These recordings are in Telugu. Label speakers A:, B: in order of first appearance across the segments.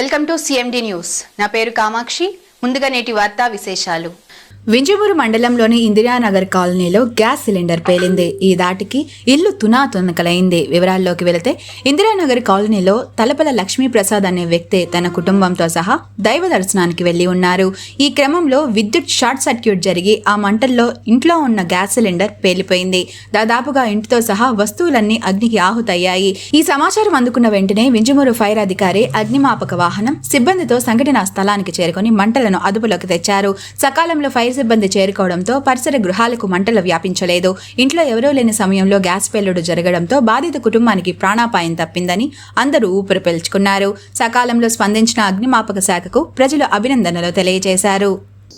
A: Welcome to CMD news. నా పేరు కామాక్షి. ముందుగా నేటి వార్తా విశేషాలు.
B: వింజమూరు మండలంలోని ఇందిరానగర్ కాలనీలో గ్యాస్ సిలిండర్ పేలింది. ఈ దాటికి ఇల్లు తునాతునకలైంది. వివరాల్లోకి వెళితే ఇందిరానగర్ కాలనీలో తలపల లక్ష్మీప్రసాద్ అనే వ్యక్తి తన కుటుంబంతో సహా దైవ దర్శనానికి వెళ్లి ఉన్నారు. ఈ క్రమంలో విద్యుత్ షార్ట్ సర్క్యూట్ జరిగి ఆ మంటల్లో ఇంట్లో ఉన్న గ్యాస్ సిలిండర్ పేలిపోయింది. దాదాపుగా ఇంటితో సహా వస్తువులన్నీ అగ్నికి ఆహుతయ్యాయి. ఈ సమాచారం అందుకున్న వెంటనే వింజమూరు ఫైర్ అధికారి, అగ్నిమాపక వాహనం సిబ్బందితో సంఘటనా స్థలానికి చేరుకుని మంటలను అదుపులోకి తెచ్చారు. సకాలంలో ఫైర్ సిబ్బంది చేరుకోవడంతో పరిసర గృహాలకు మంటలు వ్యాపించలేదు. ఇంట్లో ఎవరూ లేని సమయంలో గ్యాస్ పేలుడు జరగడంతో బాధిత కుటుంబానికి ప్రాణాపాయం తప్పిందని అందరూ ఊపిరి పీల్చుకున్నారు. సకాలంలో స్పందించిన అగ్నిమాపక శాఖకు ప్రజలు అభినందనలు తెలియజేశారు.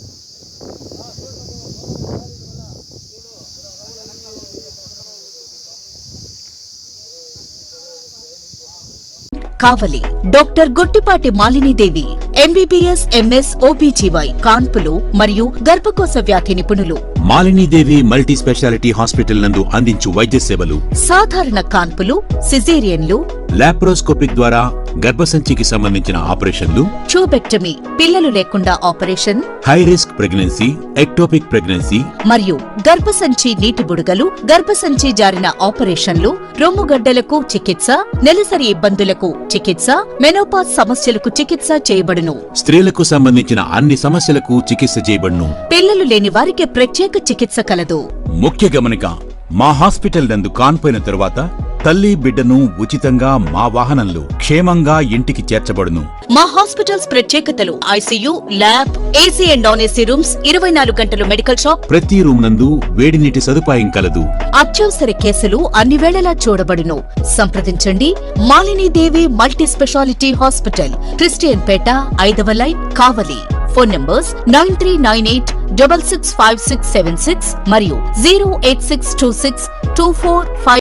C: Kavali doctor Gottipati Malinidevi MBBS MS OBGY కాన్పులు మరియు గర్భకోశ వ్యాధి నిపుణులు.
D: మాలినీదేవి మల్టీ స్పెషాలిటీ హాస్పిటల్ నందు అందించు వైద్య సేవలు
C: సాధారణ కాన్పులు, సిజేరియన్లు,
D: లాప్రోస్కోపిక్ ద్వారా గర్భసంచికి సంబంధించిన ఆపరేషన్లు,
C: ట్యూబెక్టమీ పిల్లలు లేకుండా operation,
D: high risk pregnancy, ectopic pregnancy
C: మరియు గర్భసంచి నీటి బుడగలు, గర్భసంచి జారిన ఆపరేషన్లు, రొమ్ముగడ్డలకు చికిత్స, నెలసరి ఇబ్బందులకు చికిత్స, మెనోపాజ్ సమస్యలకు చికిత్స చేయబడును.
D: స్త్రీలకు సంబంధించిన అన్ని సమస్యలకు చికిత్స చేయబడును.
C: పిల్లలు లేని వారికి ప్రత్యేక చికిత్స కలదు.
D: ముఖ్య గమనిక, మా హాస్పిటల్ నందు కాన్పోయిన తరువాత తల్లి బిడ్డను ఉచితంగా మా వాహనంలో క్షేమంగా ఇంటికి చేర్చబడును.
C: మా హాస్పిటల్స్ ప్రత్యేకతలు: ICU, lab, AC and non AC rooms, 24 గంటలు మెడికల్ షాప్,
D: ప్రతి రూమ్ నందు వేడి నీటి సదుపాయం కలదు.
C: అత్యవసర కేసులు అన్ని వేళలా చూడబడును. సంప్రదించండి Malinidevi multi speciality hospital, Christian Peta, 5వ లైన్, కావలి. ఫోన్ నంబర్స్ 9398665676 మరియు 086262455